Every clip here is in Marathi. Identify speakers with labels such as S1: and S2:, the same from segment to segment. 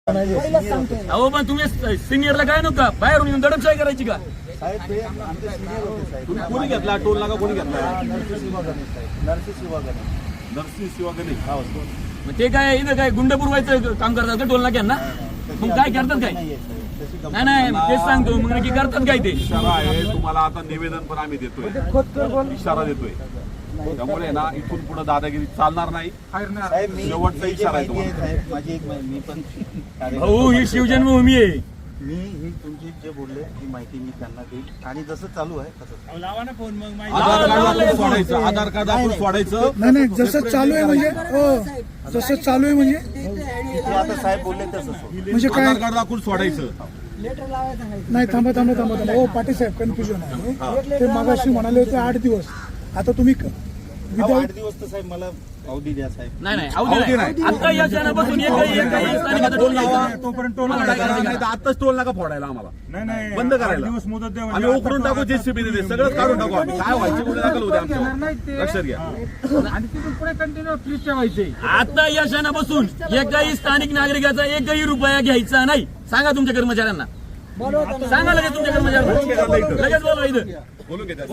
S1: अहो पण तुम्ही सिनियरला काय नका बाहेरून येऊन दडपशाही करायची का?
S2: कोणी घेतला टोल नाका? कोणी घेतला?
S3: नरसी शिवागणे.
S1: मग ते काय इथं काय गुंड पुरवायचं काम करतात का टोल नाक्यांना? मग काय करतात काय? नाही नाही तेच सांगतो, मग नक्की करतात काय ते?
S3: इशारा आहे तुम्हाला, आता निवेदन पण आम्ही देतोय, इशारा देतोय. त्यामुळे ना इथून पुढे दादागिरी चालणार नाही. शेवटचा इशारा आहे तुम्हाला.
S4: माझी एक मी पण
S1: भाऊ ही शिवजन्मभूमी आहे.
S4: मी तुमची जे बोलले ती माहिती मी त्यांना देईल आणि जसं चालू आहे तसं
S2: आधार कार्ड आपण सोडायचं, आधार कार्ड आपण सोडायचं.
S5: नाही नाही जसं चालू आहे म्हणजे जसं चालू आहे म्हणजे
S4: इथे आता साहेब बोलले तसं
S5: म्हणजे काय?
S3: आधार कार्ड दाखवून सोडायचं.
S5: नाही थांबा थांबा थांबा थांबा हो पाटील साहेब कन्फ्युजन आहे. ते मागाशी म्हणाले होते 8 दिवस, आता तुम्ही
S4: 8 दिवस तर साहेब मला अवधी द्या साहेब.
S1: नाही नाही अवधी नाही. आता या क्षणापासून एकही स्थानिकाचा टोल लावा.
S2: तोपर्यंत टोल
S1: मला काय करायचं
S3: नाही तर आताच टोल नाका फोडायला आम्हाला.
S2: नाही
S3: बंद करायला.
S2: दिवस मुदत द्या.
S3: आम्ही उकरून टाकू, जेसीबी देते सगळं काढून टाकू. आम्ही काय व्हायचे कुठे दाखल होते आमच्या लक्षात घ्या.
S2: आणि तिथून पुढे कंटिन्यू फ्रीज ठेवायचे.
S1: आता या क्षणापासून एकही स्थानिक नागरिकाचा एकही रुपया घ्यायचा नाही. सांगा तुमच्या कर्मचाऱ्यांना, सांगा लगेच तुमच्या कर्मचाऱ्यांना, लगेच बोलवा इथं.
S3: बोलून घेतात.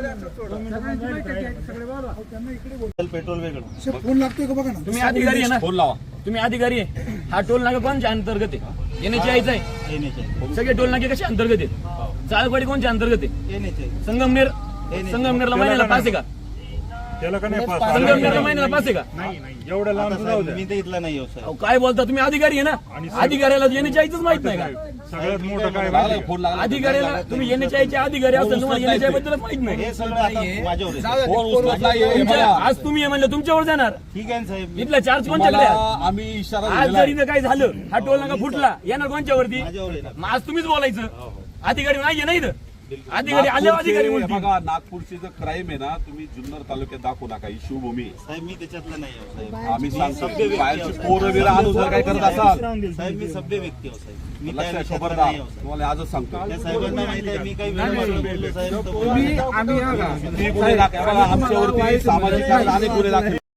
S4: पेट्रोल वेगळं.
S5: फोन लागतोय का बघा ना.
S1: तुम्ही अधिकारी आहे ना,
S3: फोन लावा.
S1: तुम्ही अधिकारी आहे. हा टोल नाका कोणच्या अंतर्गत आहे? NH आहे. सगळे टोल नाके कशा अंतर्गत आहेत? जाळपाडी कोणच्या अंतर्गत आहे? संगमनेरला महिन्याला पास आहे का? संगमनेरला महिन्याला पास आहे का?
S2: एवढं लांब जाऊ द्या.
S4: मी तर इथला नाही साहेब.
S1: अहो, काय बोलता तुम्ही? अधिकारी आहे ना, अधिकाऱ्याला NH माहित नाही का?
S2: सगळ्यात मोठं काय
S3: लागला, फोन लागला.
S1: अधिकाऱ्याला तुम्ही NH अधिकारी असताना तुम्हाला NH बद्दलच माहित नाही.
S4: हे सगळं आता माझ्यावर आहे.
S3: फोन उचलत नाहीये.
S1: तुमच्या- आज तुम्ही म्हणलं तुमच्यावर जाणार.
S4: ठीक आहे ना साहेब.
S1: इथला चार्ज कोणच्याकडे आहे?
S3: मला आम्ही इशारा
S1: आज
S3: दिलेला
S1: जर
S3: आहे.
S1: इथं काय झालं, हा टोल नाका फुटला, येणार कोणच्यावरती?
S4: माझ्यावर आहे ना.
S1: मग आज तुम्हीच बोलायचं. अधिकारी नाहीये ना इथं. अधिकारी आले, अधिकारी
S3: नागपूरचे-
S1: म्हणतील.
S3: बघा नागपूरची जर क्राईम आहे ना, तुम्ही जुन्नर तालुक्यात दाखवू नका. ही शिवभूमी आहे.
S4: साहेब मी त्याच्यातला नाही आहे साहेब.
S3: आम्ही सांगतो बाहेरची पोरं बिरं आणून जर काय करत असाल
S4: साहेब मी सभ्य व्यक्ती आहे साहेब. मी त्या
S3: लक्षात
S4: विषयातला
S3: खबरदार.
S4: नाही आहे साहेब.
S3: तुम्हाला आजच सांगतो.
S4: त्या साहेबांना माहिती आहे मी काही वेळ बोललो साहेब तर
S2: आम्ही
S3: किती गुन्हे दाखल, बघा, आमच्यावरती सामाजिक कार्य अनेक गुन्हे दाखल.